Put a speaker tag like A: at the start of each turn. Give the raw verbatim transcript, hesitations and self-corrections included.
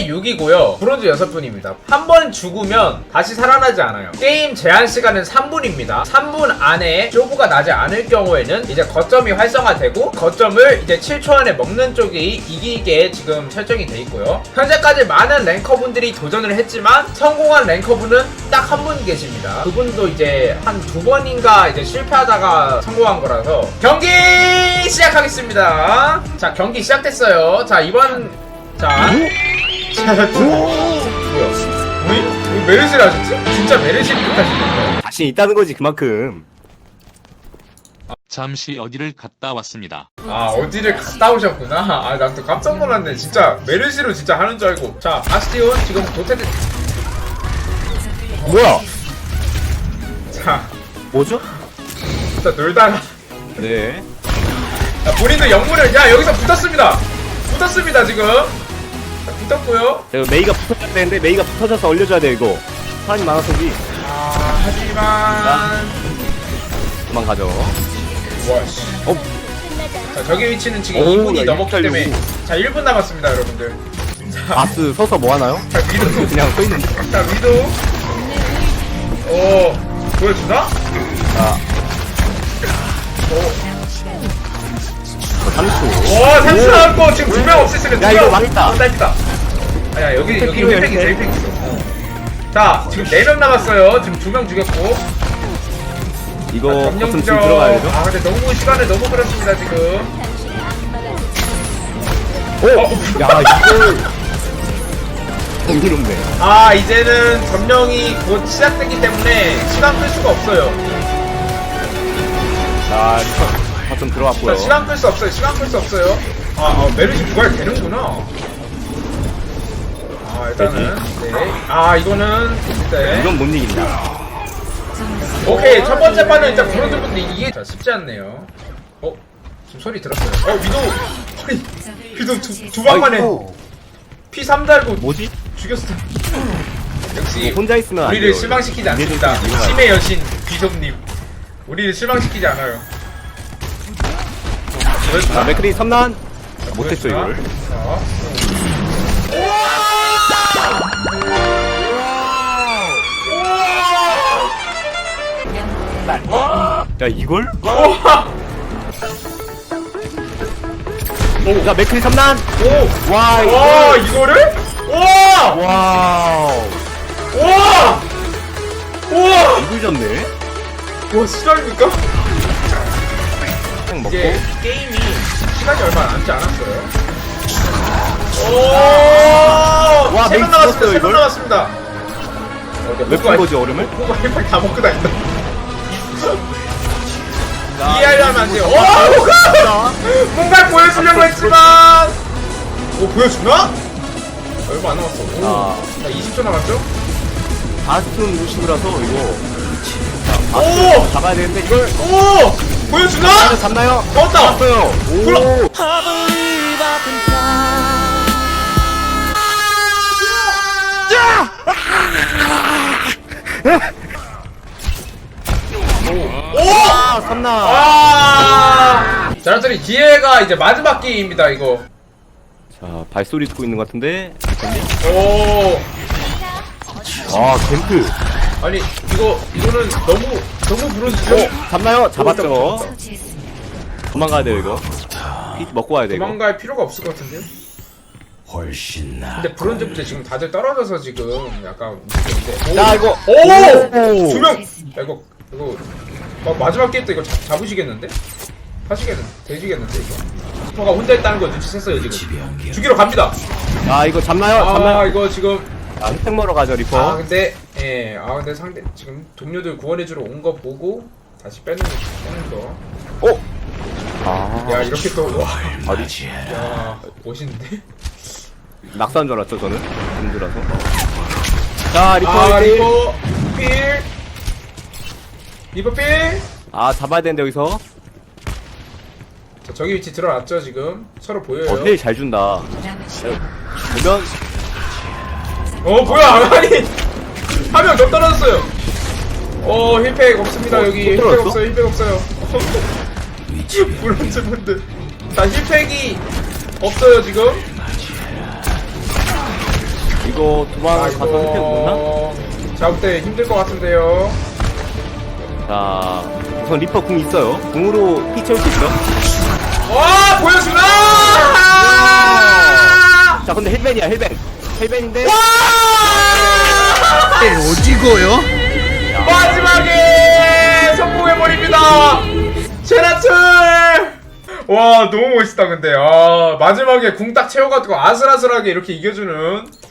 A: 회 육이고요 브론즈 여섯 분입니다. 한 번 죽으면 다시 살아나지 않아요. 게임 제한 시간은 삼 분입니다. 삼 분 안에 쇼부가 나지 않을 경우에는 이제 거점이 활성화되고 거점을 이제 칠 초 안에 먹는 쪽이 이기게 지금 설정이 돼 있고요. 현재까지 많은 랭커분들이 도전을 했지만 성공한 랭커분은 딱 한 분 계십니다. 그분도 이제 한 두 번인가 이제 실패하다가 성공한 거라서 경기 시작하겠습니다. 자, 경기 시작됐어요. 자, 이번 자, 자, 뭐야? 왜, 왜 메르시를 하셨지? 진짜 메르시를 하시는 거예요?
B: 자신 있다는 거지 그만큼.
C: 잠시 어디를 갔다 왔습니다.
A: 아, 어디를 갔다 오셨구나. 아, 난 또 깜짝 놀랐네. 진짜 메르시로 진짜 하는 줄 알고. 자, 바스티온 지금 도태된.
B: 뭐야?
A: 자,
B: 뭐죠?
A: 진짜 놀다가.
B: 네.
A: 자, 본인도 영물을. 야, 여기서 붙었습니다. 붙었습니다 지금. 자, 붙었고요.
B: 제가 메이가 붙어줘야 되는데 메이가 붙어져서 올려줘야 돼 이거. 사람이 많아서 지
A: 아, 하지만.
B: 도망가죠.
A: 와, 씨.
B: 어?
A: 자, 저기 위치는 지금
B: 오,
A: 이 분이
B: 야,
A: 넘었기
B: 이렇게
A: 때문에.
B: 하려고.
A: 자, 일 분 남았습니다, 여러분들. 자,
B: 바스 서서 뭐 하나요?
A: 자, 위도.
B: 그냥 서 있는데.
A: 자, 위도. 오, 보여주나?
B: 자.
A: 오.
B: 삼 초.
A: 와, 삼 초 나왔고 지금 두 명 없앴으면
B: 야, 이거 망했다.
A: 딸피다. 아야, 여기 여기
B: 필요해,
A: 힐팩 있어,
B: 힐팩.
A: 힐팩 있어. 어. 자, 지금 네 명 남았어요. 지금 두 명 죽였고.
B: 이거
A: 점령
B: 버튼
A: 지점.
B: 지금 들어가야 되죠?
A: 아, 근데 너무 시간을 너무 끌었습니다 지금.
B: 오! 야 이걸 경이롭네.
A: 아, 이제는 점령이 곧 시작되기 때문에 시간 끌 수가 없어요.
B: 자 버튼 들어갔고요.
A: 자, 시간 끌 수 없어요. 시간 끌 수 없어요. 아, 아 메르시 부활 되는구나. 아, 일단은 네. 아, 이거는 네.
B: 이건 못 이긴다.
A: 오케이, 첫 번째 판은 일단 브론즈 분데 이게 자, 쉽지 않네요. 어? 지금 소리 들었어요. 어, 위도. 아니, 위도 두, 두 방만에
B: 아이고.
A: 피 삼 달고
B: 뭐지?
A: 죽였어. 역시
B: 뭐 혼자 있으면 안
A: 우리를
B: 돼요.
A: 실망시키지
B: 이해될
A: 않습니다.
B: 수 있는 이유가
A: 심의 여신 귀섭님. 우리를 실망시키지 않아요.
B: 자 맥크리 삼난 못했죠
A: 보여주나?
B: 이걸.
A: 자.
B: 야 이걸?
A: 우와!
B: 자 맥크리 삼난.
A: 오!
B: 와 이거.
A: 와, 이거를? 우와!
B: 와우.
A: 우와! 우와!
B: 이걸 졌네.
A: 와, 실화입니까?
B: 그냥 먹고.
A: 이제 게임이 시간이 얼마 남지 않았어요. 오!
B: 와,
A: 세 명
B: 메이크
A: 남았습니다.
B: 죽었어요,
A: 세 명
B: 이걸?
A: 남았습니다.
B: 몇푼 거지 얼음을?
A: 호가 힐팩 다 먹고 다닌다. 이해하려면 안 돼요. 오, 호가! 뭔가 보여주려고 했지만. 오, 보여주나? 얼마 안 남았어. 오.
B: 아.
A: 자, 이십 초 남았죠?
B: 바스톤 루시브라서 이거. 자
A: 오!
B: 바스톤 잡아야 되는데 이걸.
A: 오! 보여주나?
B: 잡나요?
A: 떴다!
B: 잡았어요.
A: 불러!
B: 오.
A: 오!
B: 아 삼나.
A: 아! 자, 여러분들이 기회가 이제 마지막 게임입니다, 이거.
B: 자 발소리 듣고 있는 것 같은데.
A: 오!
B: 아 캠프.
A: 아니, 이거, 이거는 너무, 너무 부르시죠?
B: 어 잡나요? 잡았죠.
A: 잡았다.
B: 도망가야 돼요 이거. 피 먹고 와야 돼 이거.
A: 도망갈 필요가 없을 것 같은데요?
D: 훨씬 나.
A: 근데 브론즈부터 지금 다들 떨어져서 지금 약간 문제인데.
B: 자 이거.
A: 오!
B: 오!
A: 두 명! 야, 이거, 이거, 마, 마지막 게임 때 이거 잡, 잡으시겠는데? 하시겠는데? 되시겠는데, 이거? 리퍼가 혼자 있다는 거 눈치챘어요, 지금. 죽이러 갑니다!
B: 아 이거 잡나요?
A: 아,
B: 잡나요?
A: 이거 지금.
B: 아 혜택 먹으러 가죠 리퍼.
A: 아, 근데, 예, 아, 근데 상대, 지금 동료들 구원해주러 온 거 보고, 다시 빼는, 빼는 거.
B: 오! 아
A: 야, 이렇게 또, 와.
D: 어디지?
A: 야, 멋있는데?
B: 낙사한 줄 알았죠 저는. 힘들어서. 자 리퍼
A: 아,
B: 일 대 일.
A: 리퍼, 필. 리퍼 필.
B: 아 잡아야 되는데 여기서.
A: 자, 저기 위치 들어왔죠, 지금? 서로 보여요.
B: 어 힐 잘 준다. 보면
A: 어, 뭐야, 아니! 한 명 더 떨어졌어요! 어, 힐팩 없습니다,
B: 어,
A: 여기.
B: 또
A: 힐팩
B: 떨어졌어?
A: 없어요, 힐팩 없어요. 브론즈 분들. 자, 힐팩이 없어요, 지금.
B: 이거 도망
A: 아,
B: 가서 혜택 없나?
A: 이거 제가 볼 때 힘들 것 같은데요.
B: 자, 우선 리퍼 궁 있어요. 궁으로 피 채울 수 있죠?
A: 와 보여주나!
B: 자, 근데 헬벤이야, 헬벤. 헬벤인데.
E: 오지고요?
A: 마지막에 성공해버립니다. 제라툴. 와 너무 멋있다 근데. 아 마지막에 궁 딱 채워가지고 아슬아슬하게 이렇게 이겨주는